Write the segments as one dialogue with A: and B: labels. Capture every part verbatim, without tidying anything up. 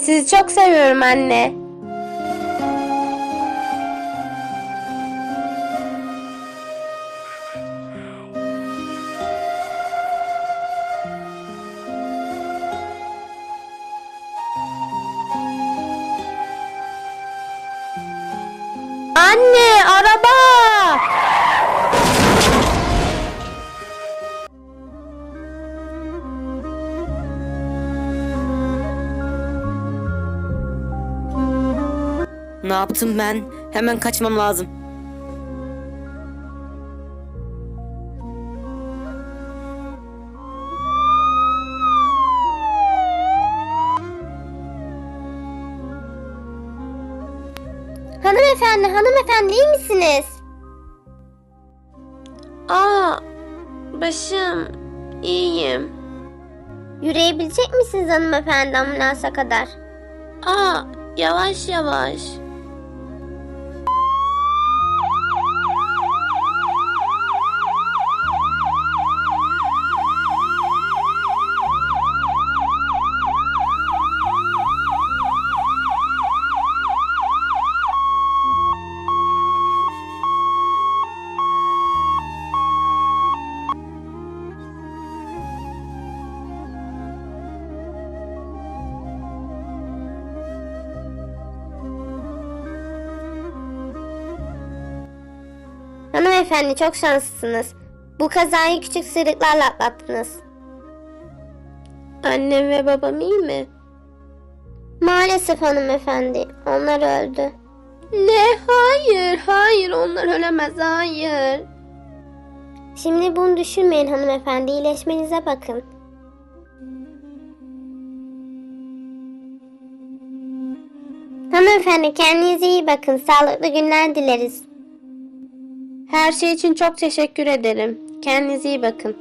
A: Sizi çok seviyorum anne. Anne, araba!
B: Ne yaptım ben? Hemen kaçmam lazım.
A: Hanımefendi, hanımefendi iyi misiniz? Aa, başım, iyiyim. Yürüyebilecek misiniz hanımefendi ambulansa kadar? Aa, yavaş yavaş. Hanımefendi çok şanslısınız. Bu kazayı küçük sıyrıklarla atlattınız. Annem ve babam iyi mi? Maalesef hanımefendi. Onlar öldü. Ne? Hayır. Hayır. Onlar ölemez. Hayır. Şimdi bunu düşünmeyin hanımefendi. İyileşmenize bakın. Hanımefendi kendinize iyi bakın. Sağlıklı günler dileriz. Her şey için çok teşekkür ederim. Kendinize iyi bakın.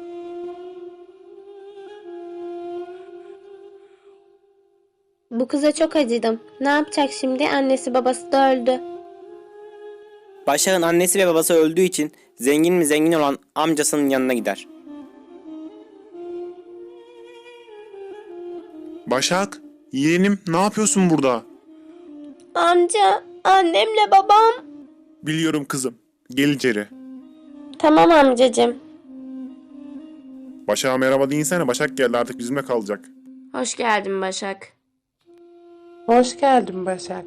A: Bu kıza çok acıdım. Ne yapacak şimdi? Annesi babası da öldü.
B: Başak'ın annesi ve babası öldüğü için zengin mi zengin olan amcasının yanına gider.
C: Başak, yeğenim ne yapıyorsun burada?
A: Amca, annemle babam.
C: Biliyorum kızım. Gel içeri.
A: Tamam amcacığım.
C: Başak'a merhaba deyinsene. Başak geldi artık bizimle kalacak.
A: Hoş geldin Başak.
D: Hoş geldin Başak.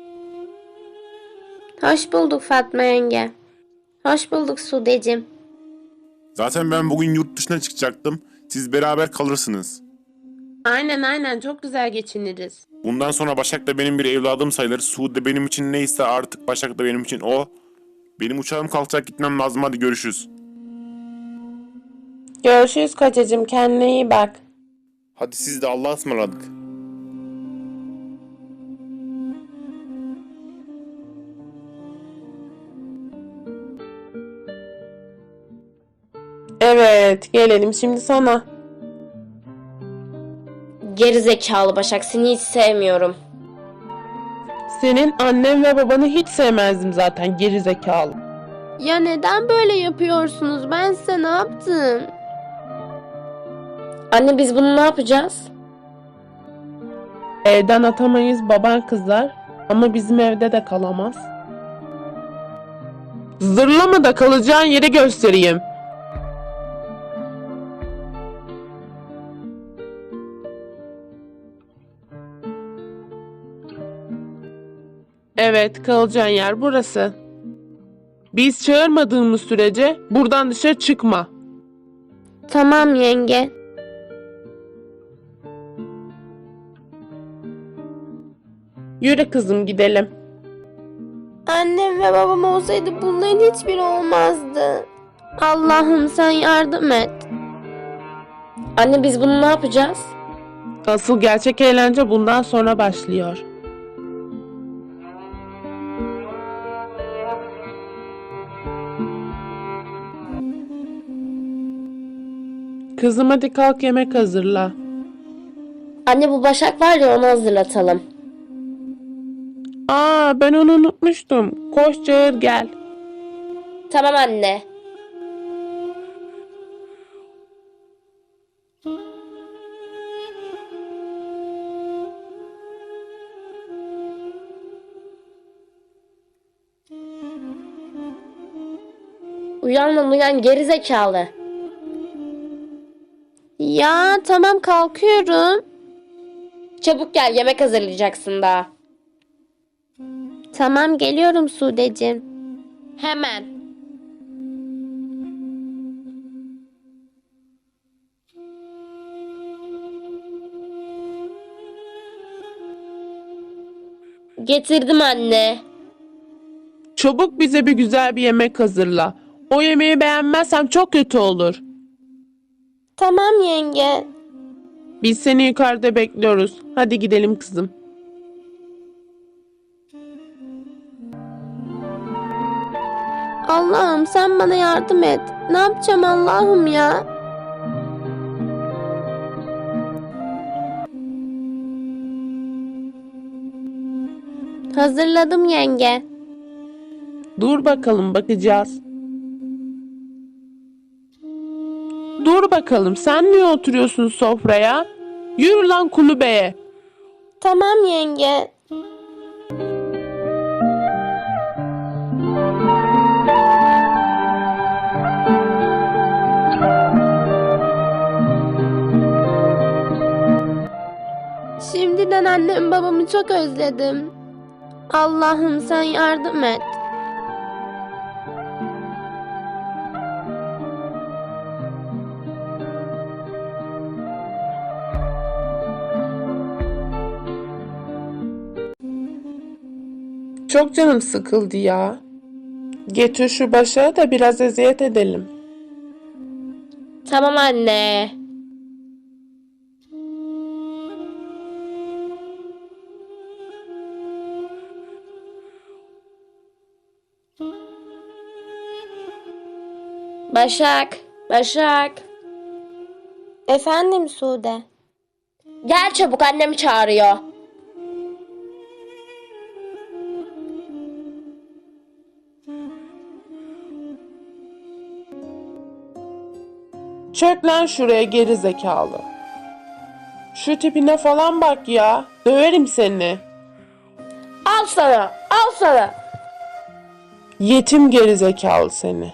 A: Hoş bulduk Fatma yenge. Hoş bulduk Sudeciğim.
C: Zaten ben bugün yurt dışına çıkacaktım. Siz beraber kalırsınız.
D: Aynen aynen çok güzel geçiniriz.
C: Bundan sonra Başak da benim bir evladım sayılır. Suud da benim için neyse artık Başak da benim için o. Benim uçağım kalkacak gitmem lazım hadi görüşürüz.
D: Görüşürüz kocacığım, kendine iyi bak.
C: Hadi siz de Allah'a ısmarladık.
D: Evet, gelelim şimdi sana.
A: Geri zekalı Başak, seni hiç sevmiyorum.
D: Senin annen ve babanı hiç sevmezdim zaten, geri zekalı.
A: Ya neden böyle yapıyorsunuz? Ben size ne yaptım? Anne biz bunu ne yapacağız?
D: Evden atamayız, baban kızar ama bizim evde de kalamaz. Zırlama da kalacağın yeri göstereyim. Evet, kalacağın yer burası. Biz çağırmadığımız sürece buradan dışarı çıkma.
A: Tamam yenge.
D: Yürü kızım gidelim.
A: Annem ve babam olsaydı bunların hiçbiri olmazdı. Allah'ım sen yardım et. Anne biz bunu ne yapacağız?
D: Asıl gerçek eğlence bundan sonra başlıyor. Kızım hadi kalk yemek hazırla.
A: Anne bu Başak var ya onu hazırlatalım.
D: Aa ben onu unutmuştum. Koş çağır gel.
A: Tamam anne.
E: Uyan lan uyan gerizekalı.
A: Ya tamam kalkıyorum.
E: Çabuk gel yemek hazırlayacaksın daha.
A: Tamam geliyorum Sudeciğim.
E: Hemen. Getirdim anne.
D: Çabuk bize bir güzel bir yemek hazırla. O yemeği beğenmezsem çok kötü olur.
A: Tamam yenge.
D: Biz seni yukarıda bekliyoruz. Hadi gidelim kızım.
A: Allah'ım sen bana yardım et. Ne yapacağım Allah'ım ya? Hazırladım yenge.
D: Dur bakalım bakacağız. Dur bakalım sen niye oturuyorsun sofraya? Yürü lan kulübeye.
A: Tamam yenge. Şimdiden annem babamı çok özledim. Allah'ım sen yardım et.
D: Çok canım sıkıldı ya. Getir şu başa da biraz eziyet edelim.
E: Tamam anne. Başak, Başak.
A: Efendim Sude.
E: Gel çabuk annem çağırıyor.
D: Çök lan şuraya geri zekalı. Şu tipine falan bak ya. Döverim seni.
E: Al sana, al sana.
D: Yetim geri zekalı seni.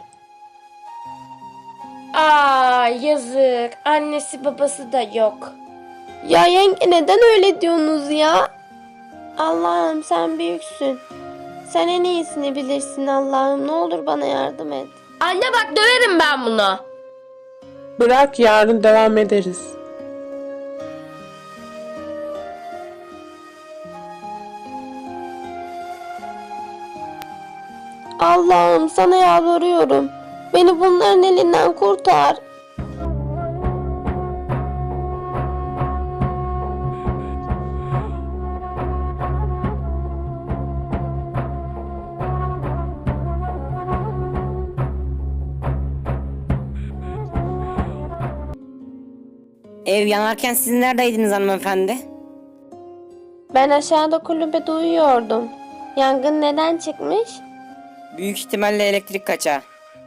E: Aa yazık. Annesi babası da yok.
A: Ya yenge neden öyle diyorsunuz ya? Allah'ım sen büyüksün. Sen en iyisini bilirsin Allah'ım. Ne olur bana yardım et.
E: Anne bak döverim ben bunu.
D: Bırak yarın devam ederiz.
A: Allah'ım sana yalvarıyorum. Beni bunların elinden kurtar.
B: Ev yanarken siz neredeydiniz hanımefendi?
A: Ben aşağıda kulübede uyuyordum. Yangın neden çıkmış?
B: Büyük ihtimalle elektrik kaçağı.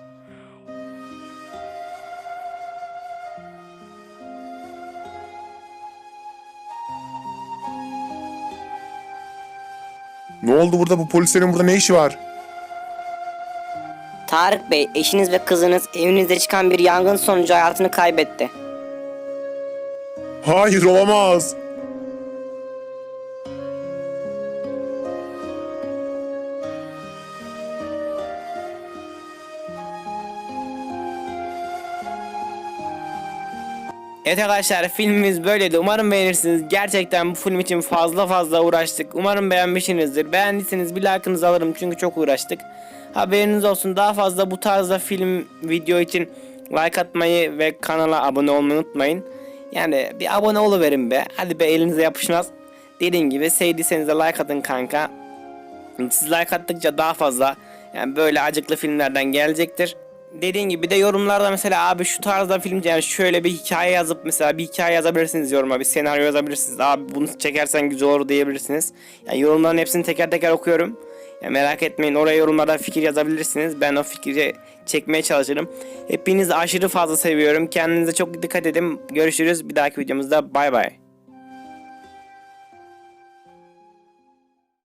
C: Ne oldu burada, bu polislerin burada ne işi var?
B: Tarık Bey, eşiniz ve kızınız evinizde çıkan bir yangın sonucu hayatını kaybetti.
C: Hayır, olamaz.
B: Evet arkadaşlar, filmimiz böyleydi. Umarım beğenirsiniz. Gerçekten bu film için fazla fazla uğraştık. Umarım beğenmişsinizdir. Beğendiyseniz bir like'ınızı alırım çünkü çok uğraştık. Haberiniz olsun, daha fazla bu tarzda film video için like atmayı ve kanala abone olmayı unutmayın. Yani bir abone oluverin be. Hadi be, elinize yapışmaz. Dediğim gibi sevdiyseniz de like atın kanka. Siz like attıkça daha fazla yani böyle acıklı filmlerden gelecektir. Dediğim gibi de yorumlarda mesela abi şu tarzda film, yani şöyle bir hikaye yazıp mesela bir hikaye yazabilirsiniz yoruma, bir senaryo yazabilirsiniz. Abi bunu çekersen güzel olur diyebilirsiniz. Yani yorumların hepsini teker teker okuyorum. Yani merak etmeyin, oraya yorumlarda fikir yazabilirsiniz. Ben o fikri çekmeye çalışırım. Hepinizi aşırı fazla seviyorum. Kendinize çok dikkat edin. Görüşürüz bir dahaki videomuzda. Bay bay.